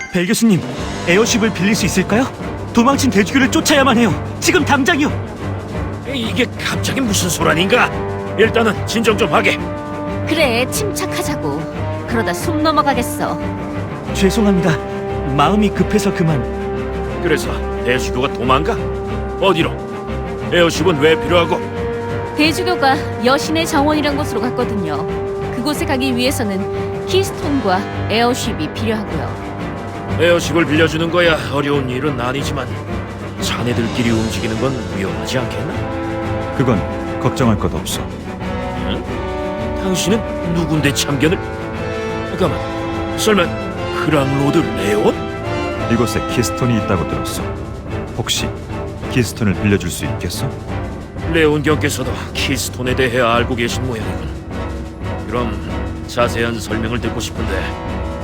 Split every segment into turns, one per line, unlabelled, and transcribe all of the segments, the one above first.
벨 교수님, 에어쉽을 빌릴 수 있을까요? 도망친 대주교를 쫓아야만 해요. 지금 당장이요.
이게 갑자기 무슨 소란인가? 일단은 진정 좀 하게.
그래, 침착하자고. 그러다 숨 넘어가겠어.
죄송합니다. 마음이 급해서 그만.
그래서 대주교가 도망가? 어디로? 에어쉽은 왜 필요하고?
대주교가 여신의 정원이란 곳으로 갔거든요. 그곳에 가기 위해서는 키스톤과 에어쉽이 필요하고요.
에어쉽을 빌려주는 거야 어려운 일은 아니지만 자네들끼리 움직이는 건 위험하지 않겠나?
그건 걱정할 것 없어.
응? 당신은 누군데 참견을? 잠깐만, 설마 크랑로드 레온?
이곳에 키스톤이 있다고 들었어. 혹시 키스톤을 빌려줄 수 있겠어?
레온 경께서도 키스톤에 대해 알고 계신 모양이군. 그럼 자세한 설명을 듣고 싶은데.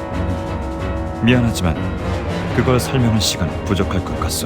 미안하지만 그걸 설명할 시간은 부족할 것 같소.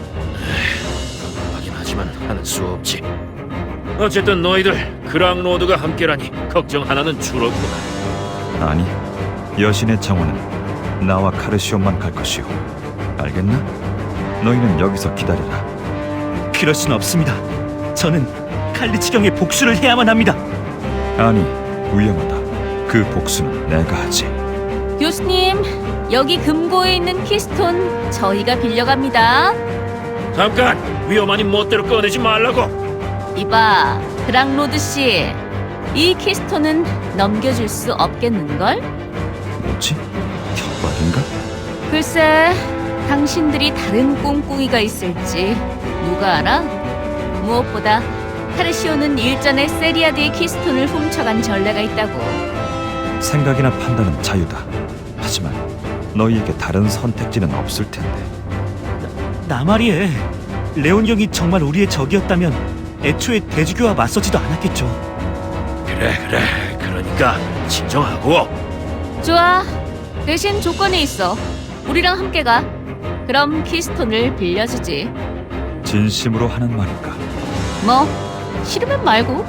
하긴 하지만 하는 수 없지. 어쨌든 너희들 크랑로드가 함께라니 걱정 하나는 줄었구나.
아니, 여신의 정원은 나와 카르시온만 갈 것이오. 알겠나? 너희는 여기서 기다려라.
그럴 순 없습니다. 저는 칼리치경의 복수를 해야만 합니다.
아니, 위험하다. 그 복수는 내가 하지.
교수님, 여기 금고에 있는 키스톤 저희가 빌려갑니다.
잠깐! 위험하니 멋대로 꺼내지 말라고!
이봐, 크랑로드 씨. 이 키스톤은 넘겨줄 수 없겠는걸?
뭐지? 협박인가?
글쎄, 당신들이 다른 꿍꿍이가 있을지 누가 알아? 무엇보다 카르시오는 일전에 세리아드의 키스톤을 훔쳐간 전례가 있다고.
생각이나 판단은 자유다. 하지만 너희에게 다른 선택지는 없을 텐데.
나 말이에. 레온 경이 정말 우리의 적이었다면 애초에 대주교와 맞서지도 않았겠죠.
그래 그러니까 진정하고.
좋아. 대신 조건이 있어. 우리랑 함께 가. 그럼 키스톤을 빌려주지.
진심으로 하는 말인가?
뭐, 싫으면 말고.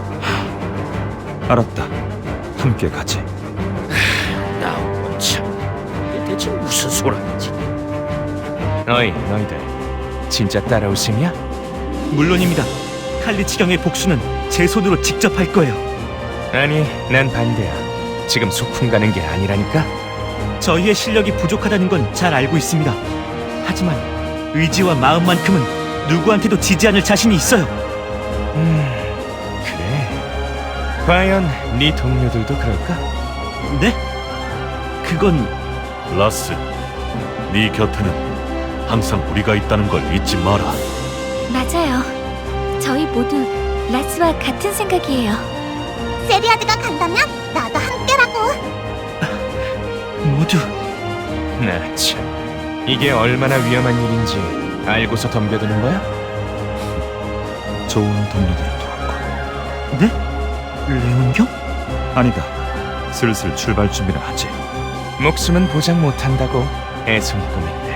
알았다. 함께 가지.
나온 참, 이게 대체 무슨 소란이지?
어이, 너희들 진짜 따라올 셈이야?
물론입니다. 칼리치경의 복수는 제 손으로 직접 할 거예요.
아니, 난 반대야. 지금 소풍 가는 게 아니라니까?
저희의 실력이 부족하다는 건 잘 알고 있습니다. 하지만 의지와 마음만큼은 누구한테도 지지 않을 자신이 있어요.
그래. 과연 네 동료들도 그럴까?
네? 그건
라스, 네 곁에는 항상 우리가 있다는 걸 잊지 마라.
맞아요. 저희 모두 라스와 같은 생각이에요. 세리아드가 간다면 나도 함께라고.
모두
나 참. 이게 얼마나 위험한 일인지 알고서 덤벼드는 거야?
좋은 동료들을 도왔고.
네? 레온 경?
아니다. 슬슬 출발 준비를 하지.
목숨은 보장 못한다고 애송이 꿈이.